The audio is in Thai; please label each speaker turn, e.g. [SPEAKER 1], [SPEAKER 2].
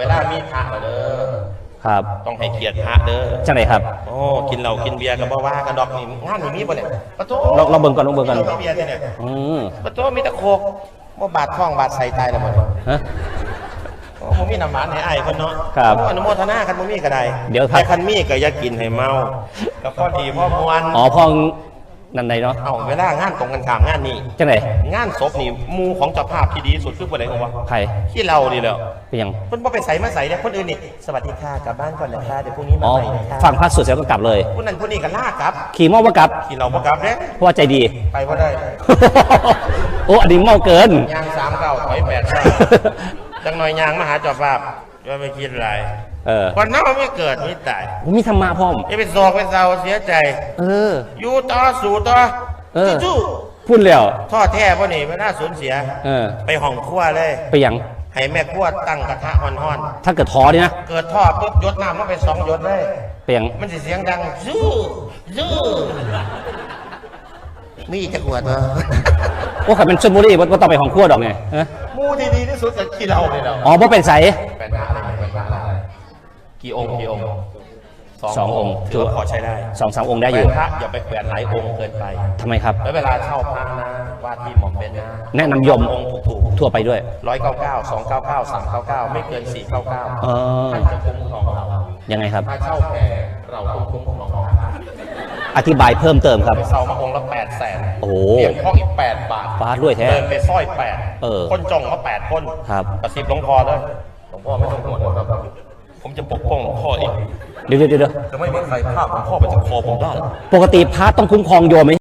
[SPEAKER 1] เวลามีพระเด้อ
[SPEAKER 2] ครับ
[SPEAKER 1] ต้องให้เกียรติพระเด้อ
[SPEAKER 2] จังไหนครับ
[SPEAKER 1] โอ้กินเหล้ากินเบียร์ก็บ่ว่ากันดอกนี่งานนี่มีบ่เนี่ยปะโถ
[SPEAKER 2] เราเบิ่งก่อน
[SPEAKER 1] เบียร์เนี่ยปะโถมีตะโคกบ่บาดท้องบาดไส้ตายแล้วบ่
[SPEAKER 2] ฮะ
[SPEAKER 1] โอ้บ่มีน้ำหวานให้อ้ายเพิ่นเนาะ
[SPEAKER 2] ครับ
[SPEAKER 1] อนุโมทนาคันบ่มีก็ได้
[SPEAKER 2] เดี๋ยว
[SPEAKER 1] คันมีก็อย่ากินให้เมาก็พอดีพอม่วน
[SPEAKER 2] อ๋อพอนั่นใดเนาะ
[SPEAKER 1] เวลางานตรงกันข้ามงานนี้
[SPEAKER 2] จังไหน
[SPEAKER 1] งานศพนี่มูของเจ้าภาพที่ดีสุดคือบ่ได้ของวะ
[SPEAKER 2] ใคร
[SPEAKER 1] ที่เราดีแล้ว
[SPEAKER 2] เป็นยัง
[SPEAKER 1] เพิ่นบ่ไปใส่มาใส่เนี่ยคนอื่นนี่สวัสดีค่ะกลับบ้านก่อนนะคะเดี๋ยวพรุ่งนี้มาใหม่นะคะ
[SPEAKER 2] ฟังพระสวดเสร็จก็กลับเลย
[SPEAKER 1] ผู้นั้นผู้นี้ก็ลากลับ
[SPEAKER 2] ขี่เมาบ่กลับ
[SPEAKER 1] ขี่เราบ่กลับเด้
[SPEAKER 2] เพราะว่าใจดี
[SPEAKER 1] ไปบ่ได้
[SPEAKER 2] โอ้อันนี้เมาเกิน
[SPEAKER 1] ยาง39ถอย8จังหน่อยยางมาหาเจ้าภาพว่าไม่คิดอะไรก่อนหน้าไม่เกิดไม่ตาย
[SPEAKER 2] มีธรรมะพ่อม
[SPEAKER 1] จะเป็นโศกเป็นเศร้าเสียใจอยู่ต่อสู้ต่อสู้
[SPEAKER 2] พูดแล้ว
[SPEAKER 1] ท่อแท้พ่อนี่ไม่น่าสูญเสียไปห้องครัวเลย
[SPEAKER 2] ไปยัง
[SPEAKER 1] ให้แม่ครัวตั้งกระทะห่อน
[SPEAKER 2] ถ้าเกิดท้อนี่นะ
[SPEAKER 1] เกิดท่อปุ๊บยดน้ำมันไป2 หยดเลย
[SPEAKER 2] ไปยัง
[SPEAKER 1] มันจะเสียงดังสู้มีจะขวดเหรอ
[SPEAKER 2] โอ้ขับเป็นชลบุรีว่าต้องไปห้องครัวดอกไง
[SPEAKER 1] มูที่ดีที่สุดจะขี้เราเลยเรา
[SPEAKER 2] อ๋อเพราะเป็นใส
[SPEAKER 1] เป็นอะไรกี่องค์
[SPEAKER 2] 2 องค์
[SPEAKER 1] ถือขอใช้ได้
[SPEAKER 2] 2-3 องค์ได้อยู่
[SPEAKER 1] พระอย่าไปแขวนหลายองค์เกินไป
[SPEAKER 2] ทำไมครับ
[SPEAKER 1] แล้วเวลาเช่าพระนะว่าที่หม่อมเป็นนะ
[SPEAKER 2] แนะนำยม
[SPEAKER 1] องค์ถูก
[SPEAKER 2] ทั่วไปด้วย
[SPEAKER 1] 199 299 399ไม่เกิน499ท่านจะคุ้มครองเรา
[SPEAKER 2] ยังไงครับ
[SPEAKER 1] ถ้าเช่าแพรเราคุ้มครอง
[SPEAKER 2] อธิบายเพิ่มเติมครับ
[SPEAKER 1] ไปเช่ามาองค์ละ800,000
[SPEAKER 2] โอ้
[SPEAKER 1] เปลี่ยนห้องอีก8 บาท
[SPEAKER 2] ฟาดด้วยแท้
[SPEAKER 1] เดินไปสร้อย8คนจองมา8 คน
[SPEAKER 2] ครับ
[SPEAKER 1] กระซิบหลวงพ่อเลยหลวงพ่อไม่ต้องห่วงครับผมจะปกป้องหลวงพ่อเอง
[SPEAKER 2] เดี๋ยว
[SPEAKER 1] จะไม่มีใครฆ่าหลวงพ่อไปจากคอผมได้
[SPEAKER 2] ปกติพระต้องคุ้มครองโยมไหม